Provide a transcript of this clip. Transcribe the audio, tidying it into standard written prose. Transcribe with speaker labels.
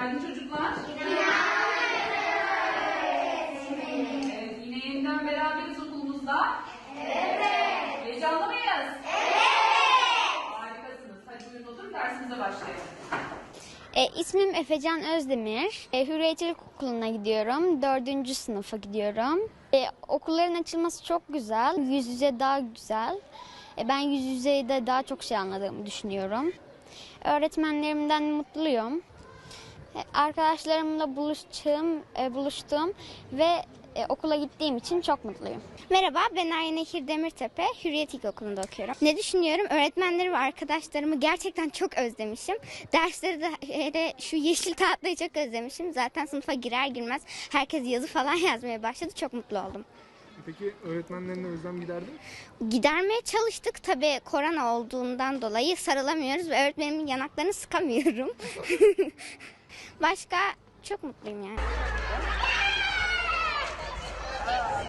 Speaker 1: Günaydın çocuklar. Evet, yine yeniden beraberiz okulumuzda. Evet. Heyecanlı mıyız? Evet. Harikasınız. Hadi buyurun oturun, dersimize başlayalım.
Speaker 2: İsmim Efecan Özdemir. Hürriyet İlkokulu'na gidiyorum. 4. sınıfa gidiyorum. Okulların açılması çok güzel. Yüz yüze daha güzel. Ben yüz yüzeyde daha çok şey anladığımı düşünüyorum. Öğretmenlerimden mutluyum. Arkadaşlarımla buluştum ve okula gittiğim için çok mutluyum.
Speaker 3: Merhaba, ben Arya Nehir Demirtepe, Hürriyet İlkokulu'nda okuyorum. Ne düşünüyorum? Öğretmenleri ve arkadaşlarımı gerçekten çok özlemişim. Dersleri de hele şu yeşil tahtayı çok özlemişim. Zaten sınıfa girer girmez herkes yazı falan yazmaya başladı. Çok mutlu oldum.
Speaker 4: Peki öğretmenlerine özlem giderdi mi?
Speaker 3: Gidermeye çalıştık. Tabii korona olduğundan dolayı sarılamıyoruz ve öğretmenimin yanaklarını sıkamıyorum. Başka çok mutluyum yani.